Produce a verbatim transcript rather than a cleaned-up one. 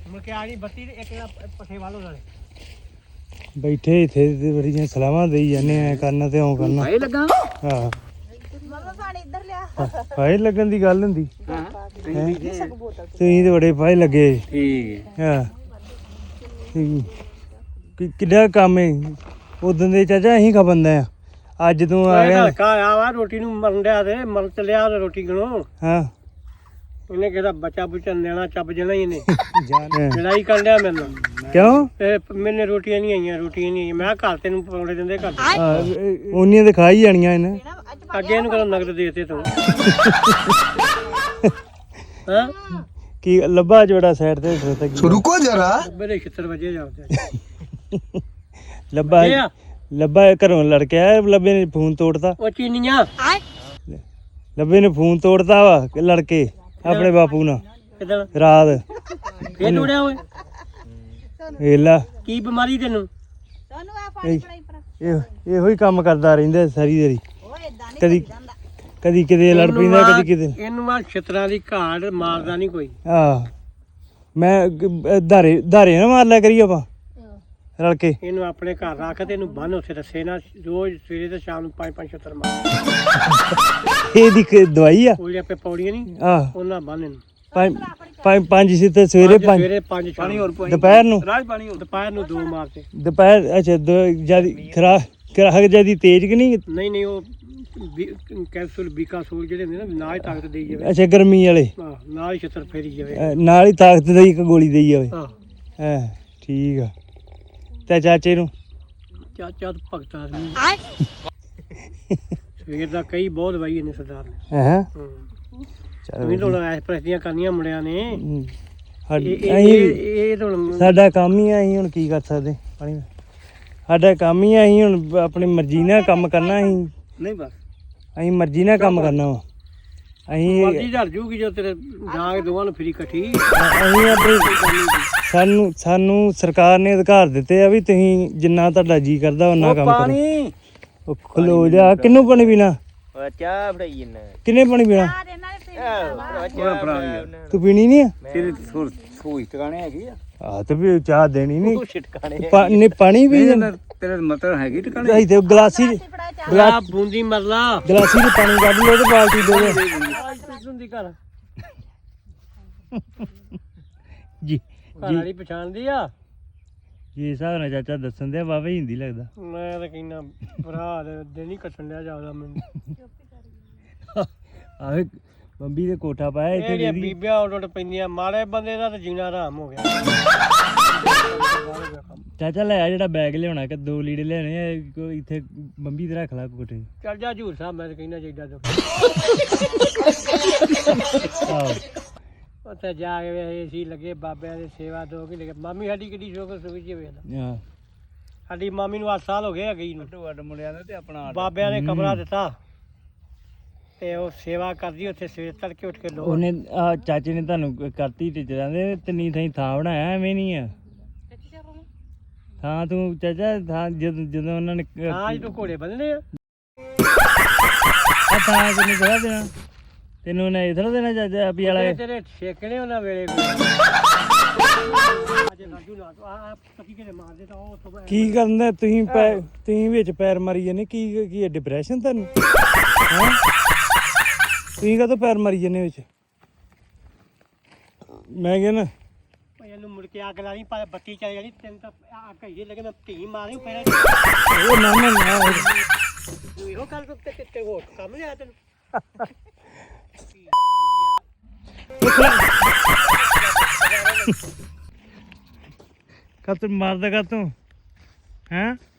ਮੁੜ ਕੇ ਆ ਗਈ ਬੱਤੀ ਤੇ ਇੱਕ ਪੱਠੇ ਵਾਲੋ ਨਾਲੇ ਬੈਠੇ ਇੱਥੇ ਤੇ ਬੜੀਆਂ ਸਲਾਹਾਂ ਦੇਈ ਜਾਂਦੇ ਐ ਕਰਨਾ ਤੇ ਓ ਕਰਨਾ ਭਾਈ ਲੱਗਾ ਹਾਂ ਮਮਾ ਪਾਣੀ ਇੱਧਰ ਲਿਆ ਫਾਇ ਲੱਗਣ ਦੀ ਗੱਲ ਹੁੰਦੀ ਹਾਂ ਤੁਸੀਂ ਤੇ ਬੜੇ ਫਾਇ ਲੱਗੇ ਠੀਕ ਹਾਂ ਕਿ ਕਿੱਡਾ ਕੰਮ ਹੈ ਉਦੋਂ ਦੇ ਚਾਚਾ ਅਸੀਂ ਖਾ ਬੰਦਾ ਆ ਅੱਜ ਤੂੰ ਆ ਗਿਆ ਹਲਕਾ ਆਇਆ ਵਾ ਰੋਟੀ ਨੂੰ ਮਰਨ ਡਿਆ ਤੇ ਮਰ ਚਲਿਆ ਰੋਟੀ ਗਣੋ ਹਾਂ ਉਹਨੇ ਕਿਹਦਾ ਬੱਚਾ ਬੁੱਚਾ ਨਿਆਣਾ ਚੱਬ ਜਣਾ ਹੀ ਇਹਨੇ ਜਾਨ ਲੜਾਈ ਕਰ ਲਿਆ ਮੇਰੇ ਨਾਲ ਕਿਉਂ ਇਹ ਮੈਨੇ ਰੋਟੀਆਂ ਨਹੀਂ ਆਈਆਂ ਰੋਟੀਆਂ ਨਹੀਂ ਆਈਆਂ ਮੈਂ ਕਿਹਾ ਘਰ ਤੈਨੂੰ ਪਰੌਂਠੇ ਦਿੰਦੇ ਘਰ ਉਹਨੀਆਂ ਤੇ ਖਾ ਹੀ ਜਾਣੀਆਂ ਇਹਨੇ ਅੱਗੇ ਇਹਨੂੰ ਕਦੋਂ ਨਗਦ ਦੇਤੇ ਤੂੰ ਹਾਂ ਕੀ ਲੱਭਾ ਜੋੜਾ ਸਾਈਡ ਤੇ ਖੜੋਤਾ ਕੀ रुको जरा ਮੇਰੇ ਛਿੱਤਰ ਵਜੇ ਜਾਂਦੇ ਲੱਭਾ ਲੱਭਾ ਘਰੋਂ ਲੜ ਕੇ ਆਇਆ ਲੱਭੇ ਨੇ ਫੋਨ ਤੋੜਤਾ ਉਹ ਚੀਨੀਆਂ ਲੱਭੇ ਨੇ ਫੋਨ ਤੋੜਤਾ ਵਾ ਲੜ ਕੇ ਆਪਣੇ ਬਾਪੂ ਨਾਲ ਕਿਦਾਂ ਰਾਤ ਇਹ ਤੋੜਿਆ ਓਏ ਵੇਲਾ ਕੀ ਬਿਮਾਰੀ ਤੈਨੂੰ ਤੁਹਾਨੂੰ ਆ ਪਾਣੀ ਪੜਾਈ ਪਰ ਇਹ ਇਹੋ ਹੀ ਕੰਮ ਕਰਦਾ ਰਹਿੰਦਾ ਸਾਰੀ ਦਿਹਾੜੀ ਓਏ ਇਦਾਂ ਨਹੀਂ ਕਦੀ ਜਾਂਦਾ ਕਦੀ ਕਿਤੇ ਲੜ ਪੈਂਦਾ ਕਦੀ ਕਿਤੇ ਇਹਨੂੰ ਆ ਛਿੱਤਰਾਂ ਦੀ ਘਾੜ ਮਾਰਦਾ ਨਹੀਂ ਕੋਈ ਆਹ ਮੈਂ ਧਾਰੇ ਧਾਰੇ ਨਾ ਮਾਰ ਲਿਆ ਕਰੀ ਆਪਾਂ ਰਲ ਕੇ ਇਹਨੂੰ ਆਪਣੇ ਘਰ ਰੱਖ ਤੇ ਇਹਨੂੰ ਬੰਨ ਉੱਥੇ ਰੱਸੇ ਨਾਲ ਰੋਜ਼ ਸਵੇਰੇ ਤੇ ਸ਼ਾਮ ਨੂੰ ਪੰਜ ਪੰਜ ਛਿੱਤਰ ਮਾਰ ਇਹਦੀ ਕੀ ਦਵਾਈ ਆ ਉਹਦੇ ਆਪੇ ਪੌੜੀਆਂ ਨਹੀਂ ਆਹ ਉਹਨਾਂ ਬੰਨ ਇਹਨੂੰ ਪੰਜ ਪੰਜ ਪੰਜ ਸਿੱਤੇ ਸਵੇਰੇ ਪੰਜ ਸਵੇਰੇ ਪੰਜ ਪਾਣੀ ਹੋਰ ਦੁਪਹਿਰ ਨੂੰ ਰਾਜ ਪਾਣੀ ਹੋਰ ਦੁਪਹਿਰ ਨੂੰ ਦੋ ਮਾਰਤੇ ਦੁਪਹਿਰ ਅੱਛਾ ਜਿਆਦੀ ਖਰਾ ਖਰਾਕ ਜਿਆਦੀ ਤੇਜ਼ ਕਿ ਨਹੀਂ ਨਹੀਂ ਨਹੀਂ ਉਹ ਬੀ- ਕੈਪਸੂਲ ਬੀਕਾਸੂਲ ਜਿਹੜੇ ਹੁੰਦੇ ਨਾ ਨਾਲ ਹੀ ਤਾਕਤ ਦੇਈ ਜਾਵੇ ਅੱਛਾ ਗਰਮੀ ਵਾਲੇ ਆਹ ਨਾਲ ਹੀ ਛਿੱਤਰ ਫੇਰੀ ਜਾਵੇ ਅਹ ਨਾਲ ਹੀ ਤਾਕਤ ਦੀ ਇੱਕ ਗੋਲੀ ਦੇਈ ਜਾਵੇ ਆਹ ਹਾਂ ਠੀਕ ਆ ਤੇ ਚਾਚੇ ਨੂੰ ਚਾਚਾ ਤਾਂ ਭਗਤ ਆਦਮੀ ਸਵੇਰ ਦਾ ਕਈ ਬਹੁਤ ਵਾਈ ਇਹਨੇ ਸਰਦਾਰ ਨੇ ਹੈ ਹੂੰ ਚਲੋ ਤੁਸੀਂ ਤਾਂ ਐਸ ਪ੍ਰਸਤੀਆਂ ਕਰਨੀਆਂ ਮੁੰਡਿਆਂ ਨੇ ਹਮ, ਇਹ ਸਾਡੀ- ਇਹ- ਅਸੀਂ ਇਹ ਇਹ ਤਾਂ ਹੁਣ ਸਾਡਾ ਕੰਮ ਹੀ ਆ ਅਸੀਂ ਹੁਣ ਕੀ ਕਰ ਸਕਦੇ ਪਾਣੀ ਸਾਡਾ ਕੰਮ ਹੀ ਆ ਅਸੀਂ ਹੁਣ ਆਪਣੀ ਮਰਜ਼ੀ ਨਾਲ ਕੰਮ ਕਰਨਾ ਅਸੀਂ ਨਹੀਂ ਬਸ ਅਸੀਂ ਮਰਜ਼ੀ ਨਾਲ ਕੰਮ ਕਰਨਾ ਵਾ ਅਸੀਂ ਮਰਜ਼ੀ ਝੜ ਜੂਗੀ ਜੋ ਤੇਰੇ ਜਾਗ ਦੋਵਾਂ ਨੂੰ ਫਰੀ ਇਕੱਠੀ ਅਸੀਂ ਆਪਣੀ ਸਾਨੂੰ ਸਾਨੂੰ ਸਰਕਾਰ ਨੇ ਅਧਿਕਾਰ ਦਿੱਤੇ ਆ ਵੀ ਤੁਸੀਂ ਜਿੰਨਾ ਤੁਹਾਡਾ ਜੀ ਕਰਦਾ ਉਹਨਾਂ ਕੰਮ ਕਰੋ ਉਹ ਖਲੋ ਜਾ ਕਿੰਨੂੰ ਪਾਣੀ ਪੀਣਾ ਚਾਹ ਫੜਾਈ ਜੰਨਾ ਕਿੰਨੇ ਪਾਣੀ ਪੀਣਾ ਆ ਦੇ ਨਾਲ ਫਿਰ ਤੂੰ ਪੀਣੀ ਨਹੀਂ ਆ ਤੇਰੀ ਸੋਈ ਟਿਕਾਣੇ ਹੈਗੀ ਆ ਆ ਤੇ ਵੀ ਚਾਹ ਦੇਣੀ ਨਹੀਂ ਤੂੰ ਛਿਟਕਾਣੇ ਪਾਣੀ ਪਾਣੀ ਵੀ ਤੇਰੇ ਮਤਲਬ ਹੈਗੀ ਅਸੀਂ ਤੇ ਗਲਾਸੀ ਫੜਾ ਚਾ ਗਲਾ ਬੂੰਦੀ ਮਰਲਾ ਗਲਾਸੀ ਚ ਪਾਣੀ ਕੱਢ ਲਓ ਤੇ ਬਾਲਟੀ ਦੇ ਦੇ ਹੁੰਦੀ ਘਰ ਜੀ ਘਰ ਵਾਲੀ ਪਛਾਣਦੀ ਆ ਜੀ ਹਿਸਾਬ ਨਾਲ ਚਾਚਾ ਦੱਸਣ ਦੇ ਬਾਬਾ ਹਿੰਦੀ ਲੱਗਦਾ ਮੈਂ ਤਾਂ ਕਹਿੰਦਾ ਭਰਾ ਦੇ ਦਿਨ ਹੀ ਕੱਟਣ ਲਿਆ ਜਾਵਦਾ ਮੈਨੂੰ ਆਵੇ ਬੰਬੀ ਦੇ ਕੋਠਾ ਪਾਇਆ ਇੱਥੇ ਜਿਹੜੀਆਂ ਜਿਹੜੀ ਬੀਬੀਆਂ ਉੱਡ ਉੱਡ ਪੈਂਦੀਆਂ ਮਾੜੇ ਬੰਦੇ ਦਾ ਤਾਂ ਜੀਣਾ ਆਰਾਮ ਹੋ ਗਿਆ ਚਾਚਾ ਲੈ ਆ ਜਿਹੜਾ ਬੈਗ ਲਿਆਉਣਾ ਕਿ ਦੋ ਲੀੜੇ ਲੈਣੇ ਆ ਕੋਈ ਇੱਥੇ ਬੰਬੀ ਤੇ ਰੱਖ ਲਾ ਕੋਠੇ ਚੱਲ ਜਾ ਹਜੂਰ ਸਾਹਿਬ ਮੈਂ ਤਾਂ ਕਹਿੰਦਾ ਚਾਹੀਦਾ ਦੁੱਖ ਆਹੋ ਉੱਥੇ ਜਾ ਕੇ ਏਸੀ ਲੱਗੇ ਬਾਬਿਆਂ ਦੀ ਸੇਵਾ ਦੋ ਕਿ ਲੱਗੇ ਮਾਮੀ ਸਾਡੀ ਕਿੱਡੀ ਸ਼ੋਕ ਸੁਖੀ ਜੀ ਵੇਖਦਾ ਹਾਂ ਸਾਡੀ ਮਾਮੀ ਨੂੰ ਅੱਠ ਸਾਲ ਹੋ ਗਏ ਆ ਗਈ ਨੂੰ ਵੱਡ ਮੁੰਡਿਆਂ ਦਾ ਤੇ ਆਪਣਾ ਬਾਬਿਆਂ ਨੇ ਕਮਰਾ ਦਿੱਤਾ ਤੇ ਉਹ ਸੇਵਾ ਕਰਦੀ ਉੱਥੇ ਸਵੇਰ ਤੜਕੇ ਉੱਠ ਕੇ ਲੋ ਉਹਨੇ ਆ ਚਾਚੇ ਨੇ ਤੁਹਾਨੂੰ ਕਰਤੀ ਟੀਚਰਾਂ ਦੇ ਤਿੰਨੀ ਥਾਈ ਥਾਂ ਬਣਾਇਆ ਐਵੇਂ ਨਹੀਂ ਆ ਥਾਂ ਤੂੰ ਚਾਚਾ ਥਾਂ ਜਦੋਂ ਜਦੋਂ ਉਹਨਾਂ ਨੇ ਹਾਂ ਜਦੋਂ ਘੋੜੇ ਬੰਨਣੇ ਆ ਆ ਥਾਂ ਕਿੰਨੇ ਥੋੜਾ ਦੇਣਾ ਤੈਨੂੰ ਉਹਨੇ ਇਹ ਥੋੜਾ ਦੇਣਾ ਚਾਚਾ ਵੀ ਵਾਲਾ ਤੇਰੇ ਤੇਰੇ ਛੇਕਣੇ ਉਹਨਾਂ ਵੇਲੇ ਅੱਜ ਰਾਜੂ ਨਾ ਆ ਪਤੀ ਕਿਤੇ ਮਾਰ ਦੇ ਤਾਂ ਉਹ ਉੱਥੋਂ ਬੈ- ਕੀ ਕਰਨਾ ਤੁਸੀਂ ਪੈ ਤੁਸੀਂ ਵਿੱਚ ਪੈਰ ਮਾਰੀ ਜਾਂਦੇ ਕੀ ਕੀ ਡਿਪਰੈਸ਼ਨ ਤੁਹਾਨੂੰ ਹੈਂ ਤੁਸੀਂ ਕਾਹਤੋਂ ਪੈਰ ਮਾਰੀ ਜਾਂਦੇ ਵਿੱਚ ਮੈਂ ਕਹਿੰਦਾ ਉਹ ਇਹਨੂੰ ਮੁੜ ਕੇ ਅੱਗ ਲਾਣੀ ਪਰ ਬੱਤੀ ਚੱਲ ਜਾਣੀ ਤੈਨੂੰ ਤਾਂ ਆ ਕਹੀਏ ਲੱਗੇ ਮੈਂ ਧੀ ਮਾਰੀ ਫਿਰ ਉਹ ਨਾ ਨਾ ਨਾ ਤੂੰ ਇਹੋ ਗੱਲ ਤੇ ਤੇ- ਤੇ ਹੋਰ ਕੰਮ ਲਿਆ ਤੈਨੂੰ ਕਾ ਤੂੰ ਮਾਰਦਾ ਕਾ ਤੂੰ ਹੈਂ